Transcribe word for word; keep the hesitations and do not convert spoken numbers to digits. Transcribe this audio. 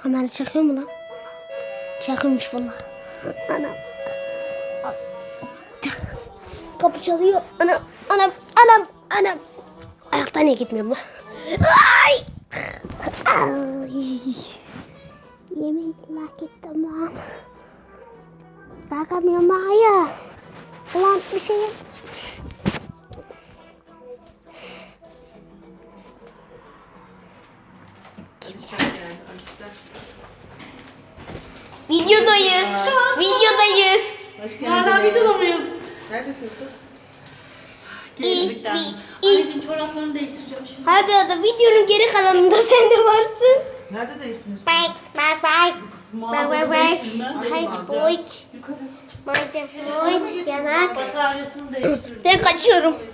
Kamera çekiyor mu lan? Çekilmiş valla. Anam. Kapı çalıyor. Anam, anam, anam, anam. Ayaktan niye gitmiyorum lan? Ay! Ay! Yemin lak ettim lan. Bakamıyorum hayır. Ulan bir şey yap. Videodayız. Videodayız. Hoş Hala geldiniz. videoda mıyız? Neredesiniz kız? Gezlikten. İyi, iyi. Anneciğim çoraplarını değiştireceğim şimdi. Hadi hadi videonun geri kalanında sen de varsın. Nerede değiştiniz? Bye bye bye. Mağazada değiştirme. Hay boyut. Yukarı. Boyut yanak. Bataryasını değiştirdim. Ben kaçıyorum.